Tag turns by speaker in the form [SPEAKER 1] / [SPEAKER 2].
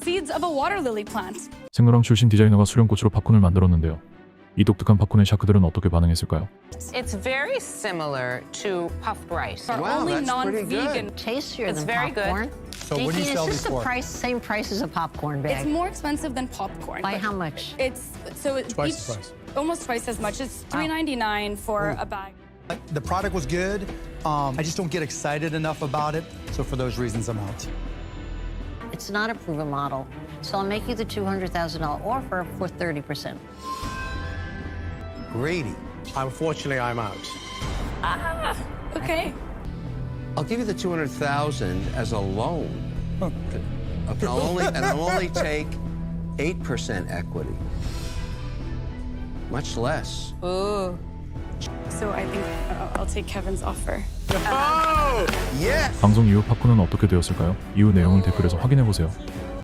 [SPEAKER 1] seeds of a water lily plant.
[SPEAKER 2] 생로랑 출신 디자이너가 수령꽃으로 팝콘을 만들었는데요. 이 독특한 팝콘에 샤크들은 어떻게 반응했을까요?
[SPEAKER 3] It's very similar to puffed rice.
[SPEAKER 1] Are
[SPEAKER 4] Wow,
[SPEAKER 1] only
[SPEAKER 4] that's pretty
[SPEAKER 1] non-vegan.
[SPEAKER 5] Tastier
[SPEAKER 3] It's
[SPEAKER 5] than
[SPEAKER 3] very good.
[SPEAKER 5] popcorn.
[SPEAKER 4] So what do you
[SPEAKER 5] Jean,
[SPEAKER 4] sell
[SPEAKER 5] is this
[SPEAKER 4] these
[SPEAKER 5] the
[SPEAKER 4] for?
[SPEAKER 5] Same price as a popcorn
[SPEAKER 1] It's
[SPEAKER 5] bag?
[SPEAKER 1] more expensive than popcorn.
[SPEAKER 5] By
[SPEAKER 1] but
[SPEAKER 5] how much?
[SPEAKER 1] It's so it
[SPEAKER 4] Twice the price.
[SPEAKER 1] almost twice as much. It's $3.99 for a bag.
[SPEAKER 4] The product was good. I just don't get excited enough about it. So for those reasons, I'm out.
[SPEAKER 5] It's not a proven model, so I'll make you the $200,000 offer for 30%.
[SPEAKER 4] Grady.
[SPEAKER 6] Unfortunately, I'm out.
[SPEAKER 1] Okay.
[SPEAKER 6] I'll give you the 200,000 as a loan. And I'll only take 8% equity. Much less.
[SPEAKER 1] So I think I'll take Kevin's offer.
[SPEAKER 6] Yes!
[SPEAKER 2] 방송 이후 팝콘은 어떻게 되었을까요? 이후 내용을 댓글에서 확인해보세요.